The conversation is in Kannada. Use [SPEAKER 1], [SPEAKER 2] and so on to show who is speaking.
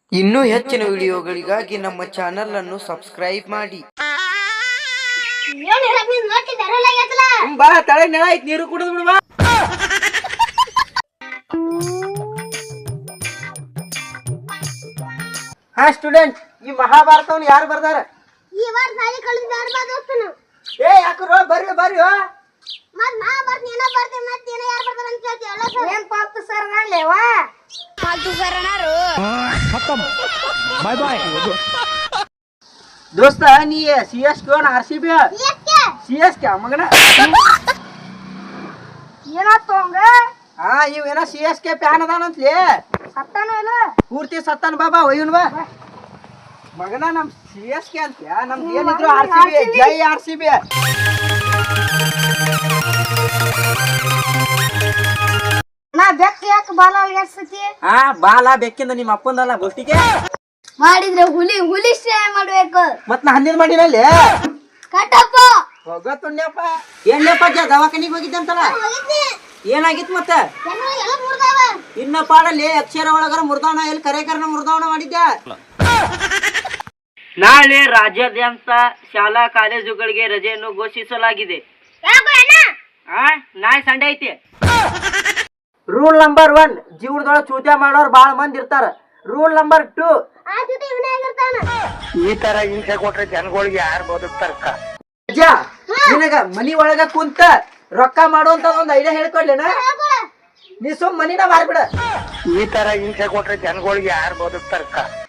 [SPEAKER 1] ಇನ್ನೂ ಹೆಚ್ಚಿನ ವಿಡಿಯೋಗಳಿಗಾಗಿ ನಮ್ಮ ಚಾನೆಲ್ ಅನ್ನು ಸಬ್ಸ್ಕ್ರೈಬ್ ಮಾಡಿ.
[SPEAKER 2] ಬಾ ತಳೆ ನೆಲ ಐತಿ ನೀರು ಕುಡಿದು ಬಿಡು ಬಾ. ಹಾ ಸ್ಟೂಡೆಂಟ್, ಈ ಮಹಾಭಾರತವನ್ನು ಯಾರು ಬರ್ದಾರ?
[SPEAKER 3] ಈ ವಾರ ಸಾಲಿ ಕಳೆದಿದ್ದಾರೆ ಬಾ ದೋಸ್ತನು.
[SPEAKER 2] ಏ ಯಾಕರೋ ಬರ್ರಿ ಬರ್ರಿ.
[SPEAKER 3] ಮತ್ ಮಹಾಭಾರತ ಏನೋ ಬರ್ತೆ ಮತ್ತೆ ಏನೋ ಯಾರು ಬರ್ತಾರ ಅಂತ ಕೇಳ್ತಿ ಅಲ್ಲ ಸರ್. ಏನ್ ಪಾಲ್ತು ಸರ್ ನಾಳೆವಾ ಪಾಲ್ತು ಸರ್ ಅನಾರು
[SPEAKER 4] खत्म बाय बाय
[SPEAKER 2] ದೋಸ್ತ ನೀ CSK RCB CSK ಮಗನ
[SPEAKER 3] ಏನಾತು ಹಂಗ?
[SPEAKER 2] ಹಾ ಇವೇನ CSK ಫ್ಯಾನ್ ಅದಾನಂತ್ಲಿ.
[SPEAKER 3] ಸತ್ತಾನು ಇಲ್ಲ
[SPEAKER 2] ಪೂರ್ತಿ ಸತ್ತಾನ ಬಾಬಾ ಒಯ್ಯನ್ ಬಾ ಮಗನ. ನಮ್ CSK ಅಂತ ನಮ್ದು ಏನಿದ್ರು RCB. ಜೈ RCB.
[SPEAKER 3] ನಾ ಬೆಕ್ಕ ಯಾಕೆ ಬಾಲ ಅಲ್ಗಾಡ್ಸತಿ?
[SPEAKER 2] ಹಾ ಬಾಲ ಬೆಕ್ಕಿಂದ ನಿಮ್ಮ ಅಪ್ಪಂದಲ್ಲ ಗೋಷ್ಟಿಗೆ
[SPEAKER 3] ಮಾಡಿದ್ರೆ ಹುಲಿ ಹುಲಿ ಶ್ರೇಯ ಮಾಡ್ಬೇಕು.
[SPEAKER 2] ಮತ್ ನಾ ಹಂದಿನ ಮಾಡಿನಲ್ಲಿ
[SPEAKER 3] ಕಟ್ಟಪ್ಪ
[SPEAKER 2] ಹೋಗತ್ತುಣ್ಯಪ್ಪ. ಏನ್ಯಪ್ಪ ದವಾಖಾನಿಗೆ ಹೋಗಿದ್ದೆ ಅಂತಲ್ಲ, ಏನಾಗಿತ್ತು ಮತ್ತೆ?
[SPEAKER 3] ಎಲ್ಲ ಮುರ್ದಾವ.
[SPEAKER 2] ಇನ್ನ ಪಾಡಲ್ಲಿ ಅಕ್ಷರ ಒಳಗರ ಮುರ್ದಾವಣ ಎಲ್ಲಿ ಕರೆಕರನ ಮುರ್ದಾವಣ ಮಾಡಿದ್ದೆ. ನಾಳೆ ರಾಜ್ಯಾದ್ಯಂತ ಶಾಲಾ ಕಾಲೇಜುಗಳಿಗೆ ರಜೆಯನ್ನು ಘೋಷಿಸಲಾಗಿದೆ. ನಾಳೆ ಸಂಡೆ ಐತಿ. ರೂಲ್ ನಂಬರ್ 1, ಜೀವನದೊಳಗ ಚೂತ್ಯ ಮಾಡೋರು ಬಾಳ ಮಂದಿ ಇರ್ತಾರ. ರೂಲ್ ನಂಬರ್ 2,
[SPEAKER 3] ಆ ಜೊತೆ ಇವನೇ ಆಗಿರ್ತಾನ.
[SPEAKER 4] ಈ ತರ ಹಿಂಸೆ ಕೊಟ್ರೆ ಜನಗಳಿಗೆ ಯಾರು ಬದುಕ್ತಾರಕ್ಕ?
[SPEAKER 2] ನಿನಗ ಮನಿ ಒಳಗ ಕುಂತ ರೊಕ್ಕ ಮಾಡುವಂತ ಒಂದ್ ಐಡಿಯಾ ಹೇಳ್ಕೊಡ್ಲೇನ? ನೀ ಸುಮ್ ಮನಿನ ಮಾರ್ಬಿಡ.
[SPEAKER 4] ಈ ತರ ಹಿಂಸೆ ಕೊಟ್ರೆ ಜನಗಳಿಗೆ ಯಾರು ಬದುಕ್ತಾರಕ್ಕ?